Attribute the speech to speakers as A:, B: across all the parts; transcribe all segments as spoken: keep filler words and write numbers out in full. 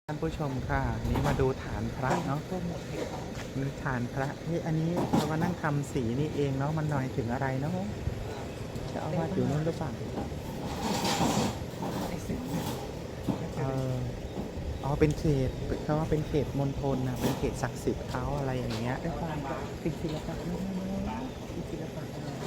A: ท่านผู้ชมค่ะนี่มาดูฐานพระเนาะมีฐานพระเฮ้ยอันนี้เรามานั่งทำสีนี่เองเนาะมันหน่อยถึงอะไรเนาะจะเอาวาดอยู่นู่นหรือเปล่าเอออ๋อเป็นเขตเขาว่าเป็นเขตมณฑลนะเป็นเขตศักดิ์สิทธิ์เขาอะไรอย่างเงี้ย
B: ด้วยความเป็นศิลปะน้อยเป็นศิลปะ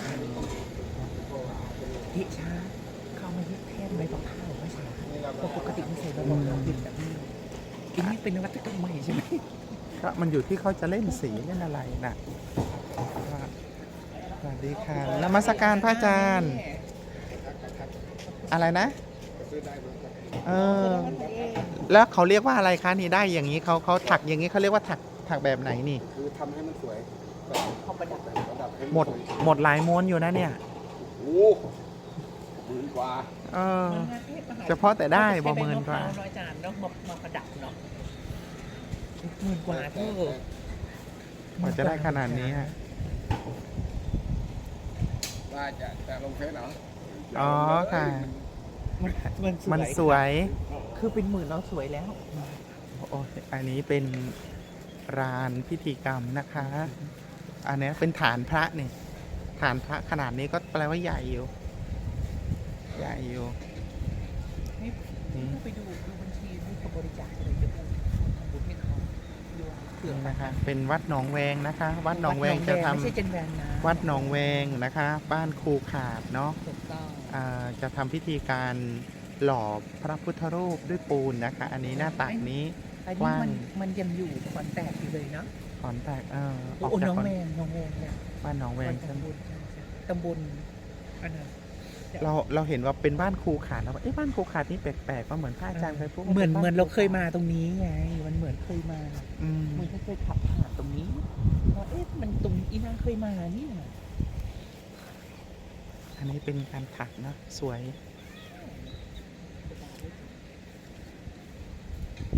B: เฮชาเข้ามายึดแทนใบตองข้าวไม่ใช่ปกติไม่ใช่ใบตองข้าวเป็นแบบนี้อันนี้เป็นนวัตกรรมใหม่ใช่ไหม
A: ก็มันอยู่ที่เขาจะเล่นสีเล่นอะไรน่ะสวัสดีค่ะนมัสการพระอาจารย์อะไรนะเออแล้วเขาเรียกว่าอะไรคะนี่ได้อย่างนี้เขาเขาถักอย่างนี้เขาเรียกว่าถักถักแบบไหนนี่
C: คือทำให้มันสวย
B: เขาประดับ
C: ประดับให้
A: หมดหมดหลายม้วนอยู่นะเนี่ย
C: โอ้หมื่นกว่า
A: เออเฉพาะแต่ได้บ่หมื่นกว่า
B: ร้อยจานเนาะมามาประดับเนาะหมื่นกว่าเท่าก
A: ว่าจะได้ขนาดนี้ฮะ
C: ว่าจะจะลงเฟซเหรอ
A: อ๋อค่ะ
B: มัน
A: มันสวย
B: คือเป็นหมื่นเราสวยแล้ว
A: โอ้อันนี้เป็นลานพิธีกรรมนะคะ อันนี้เป็นฐานพระนี่ฐานพระขนาดนี้ก็แปลว่าใหญ่อยู่ใหญ่อยู่
B: นี่ไปดูดูบัญชีนี่เขาบริจาคอะไรจะทำบุญให้เขา
A: นี่นะคะเป็นวัดหนองแวงนะคะ วัดหนองแวงจะทำวัดหนองแวงนะคะ บ้านครูขาดเนาะจะทำพิธีการหล่อพระพุทธรูปด้วยปูนนะคะ อันนี้หน้าตักนี้
B: กว้างมันยังอยู่ขอนแตกอยู่เลยเนาะ
A: ขอนแตกเออ
B: ออกจากหนองแวงหนองแวงเนี่ย
A: บ้านหนองแวง
B: ตำบลตำบลอันนั้น
A: เราเราเห็นว่าเป็นบ้านครูขาดแล้วเอ๊ะบ้านครูขาดนี่แปลกๆว่าเหมือนพระอาจารย์เคยพูด
B: เหมือนเหมือนเราเคยมาตรงนี้ไงมันเหมือนเคยมา
A: อืม
B: มันเคยขับผ่านตรงนี้ว่าเอ๊ะมันตรงอีนางเคยมานี่
A: อันนี้เป็นการถักนะสวย